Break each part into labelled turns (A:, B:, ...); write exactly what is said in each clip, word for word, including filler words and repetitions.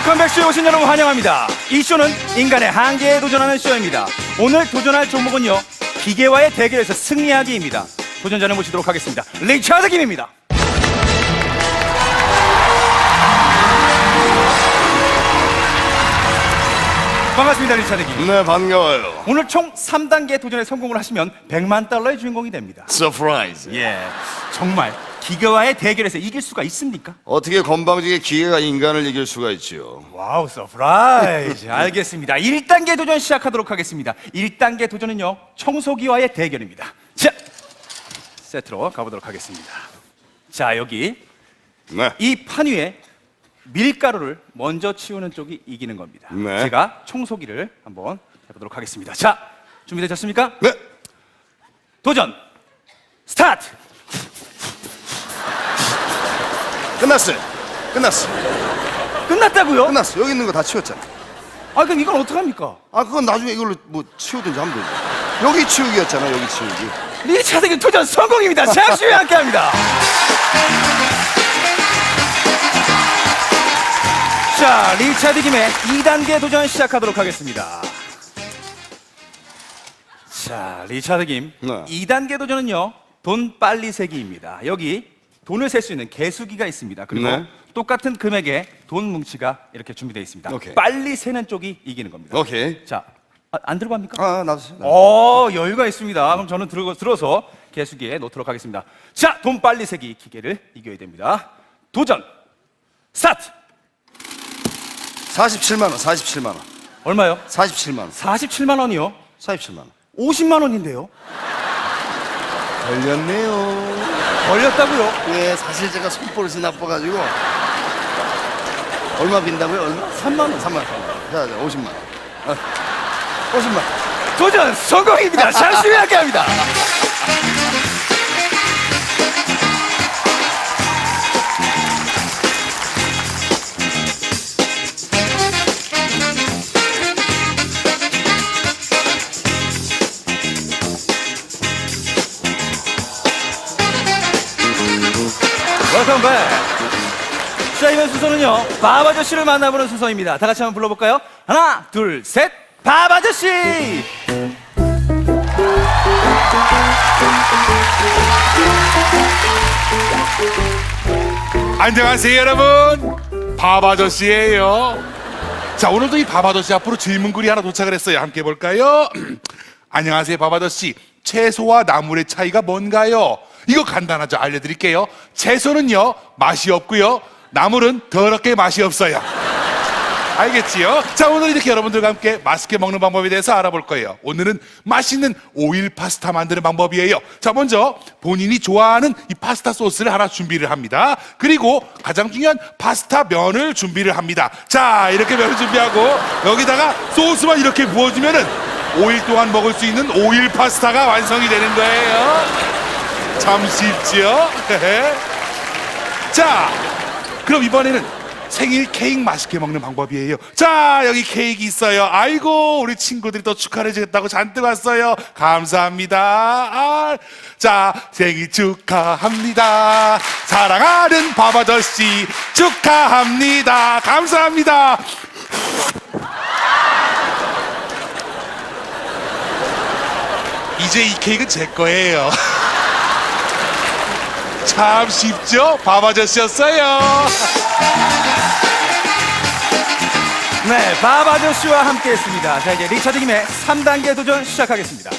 A: 컴백쇼에 오신 여러분 환영합니다. 이 쇼는 인간의 한계에 도전하는 쇼입니다. 오늘 도전할 종목은요, 기계와의 대결에서 승리하기입니다. 도전자를 모시도록 하겠습니다. 리차드 김입니다. 반갑습니다, 리차드 김.
B: 네, 반가워요.
A: 오늘 총 삼 단계 도전에 성공을 하시면 백만 달러의 주인공이 됩니다.
B: 서프라이즈.
A: 예, 정말 기계와의 대결에서 이길 수가 있습니까?
B: 어떻게 건방지게 기계가 인간을 이길 수가 있지요?
A: 와우, 서프라이즈. 알겠습니다. 일 단계 도전 시작하도록 하겠습니다. 일 단계 도전은요, 청소기와의 대결입니다. 자, 세트로 가보도록 하겠습니다. 자, 여기
B: 네.
A: 이 판 위에 밀가루를 먼저 치우는 쪽이 이기는 겁니다.
B: 네.
A: 제가 청소기를 한번 해보도록 하겠습니다. 자, 준비되셨습니까?
B: 네.
A: 도전 스타트!
B: 끝났어요. 끝났어.
A: 끝났다고요?
B: 끝났어. 여기 있는 거 다 치웠잖아.
A: 아, 그럼 이건 어떡합니까?
B: 아, 그건 나중에 이걸로 뭐 치우든지 하면 되지. 여기 치우기였잖아. 여기 치우기.
A: 리차드 김 도전 성공입니다. 잠시 후에 함께합니다. 자, 리차드 김의 이 단계 도전 시작하도록 하겠습니다. 자, 리차드 김
B: 네.
A: 이 단계 도전은요, 돈 빨리 세기입니다. 여기 돈을 셀 수 있는 개수기가 있습니다. 그리고
B: 네.
A: 똑같은 금액의 돈 뭉치가 이렇게 준비되어 있습니다.
B: 오케이.
A: 빨리 세는 쪽이 이기는 겁니다.
B: 오케이.
A: 자, 아, 안 들고 갑니까?
B: 아, 놔두세요.
A: 어, 여유가 있습니다. 그럼 저는 들어, 들어서 개수기에 놓도록 하겠습니다. 자, 돈 빨리 세기 기계를 이겨야 됩니다. 도전 스타트!
B: 사십칠만 원, 사십칠만 원.
A: 얼마요?
B: 사십칠만 원.
A: 사십칠만 원이요?
B: 사십칠만 원.
A: 오십만 원인데요?
B: 걸렸네요.
A: 걸렸다고요?
B: 예, 사실 제가 손버릇이 나빠가지고. 얼마 빈다고요? 얼마?
A: 삼만 원.
B: 삼만 원. 자, 자, 오십만 원. 아, 오십만 원.
A: 도전 성공입니다. 잠시 후에 함께합니다. 웰컴 백. 자, 이번 순서는요, 밥 아저씨를 만나보는 순서입니다. 다 같이 한번 불러볼까요? 하나, 둘, 셋, 밥 아저씨!
C: 안녕하세요 여러분, 밥아저씨예요. 자, 오늘도 이 밥아저씨 앞으로 질문글이 하나 도착을 했어요. 함께 볼까요? 안녕하세요 밥아저씨, 채소와 나물의 차이가 뭔가요? 이거 간단하죠. 알려드릴게요. 채소는요 맛이 없고요, 나물은 더럽게 맛이 없어요. 알겠지요? 자, 오늘 이렇게 여러분들과 함께 맛있게 먹는 방법에 대해서 알아볼 거예요. 오늘은 맛있는 오일 파스타 만드는 방법이에요. 자, 먼저 본인이 좋아하는 이 파스타 소스를 하나 준비를 합니다. 그리고 가장 중요한 파스타 면을 준비를 합니다. 자, 이렇게 면을 준비하고 여기다가 소스만 이렇게 부어주면은 오 일 동안 먹을 수 있는 오일 파스타가 완성이 되는 거예요. 참 쉽지요? 자, 그럼 이번에는 생일 케이크 맛있게 먹는 방법이에요. 자, 여기 케이크 있어요. 아이고, 우리 친구들이 또 축하를 해주겠다고 잔뜩 왔어요. 감사합니다. 아, 자, 생일 축하합니다. 사랑하는 밥아저씨 축하합니다. 감사합니다. 이제 이 케이크는 제 거예요. 참 쉽죠? 밥아저씨였어요.
A: 네, 밥 아저씨와 함께 했습니다. 자, 이제 리차드 김의 삼 단계 도전 시작하겠습니다.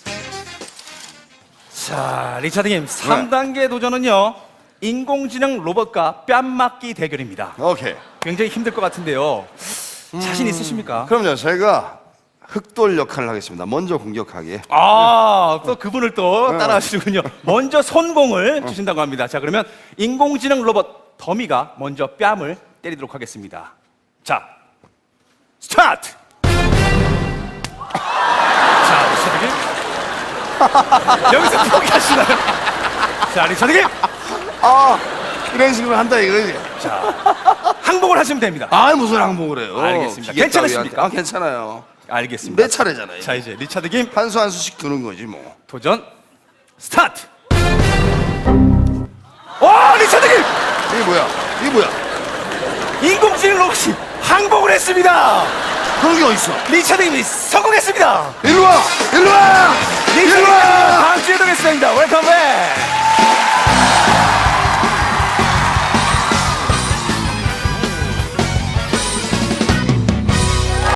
A: 자, 리차드 김 삼 단계 도전은요, 인공지능 로봇과 뺨맞기 대결입니다.
B: 오케이.
A: 굉장히 힘들 것 같은데요. 자신 있으십니까?
B: 그럼요, 제가 흑돌 역할을 하겠습니다. 먼저 공격하게.
A: 아, 또 그분을 또 따라 하시군요. 먼저 손공을 주신다고 합니다. 자, 그러면 인공지능 로봇 더미가 먼저 뺨을 때리도록 하겠습니다. 자, 스타트! 자, 리차드 김. 여기서 포기하시나요? 자, 리차드 김.
B: 아, 이런 식으로 한다 이거지.
A: 자, 항복을 하시면 됩니다.
B: 아, 무슨 항복을 해요?
A: 알겠습니다.
B: 기계
A: 괜찮으십니까?
B: 따위한테. 아, 괜찮아요.
A: 알겠습니다.
B: 몇 차례잖아요.
A: 자, 이제 리차드 김
B: 한 수 한 수씩 두는 거지 뭐.
A: 도전 스타트! 와, 리차드 김!
B: 이게 뭐야? 이게 뭐야?
A: 인공지능 로봇이 항복을 했습니다.
B: 그런 게 어딨어?
A: 리차드님이 성공했습니다.
B: 일로 와! 일로 와! 일로
A: 리차드님
B: 와!
A: 다음 주에 뵙겠습니다. 웰컴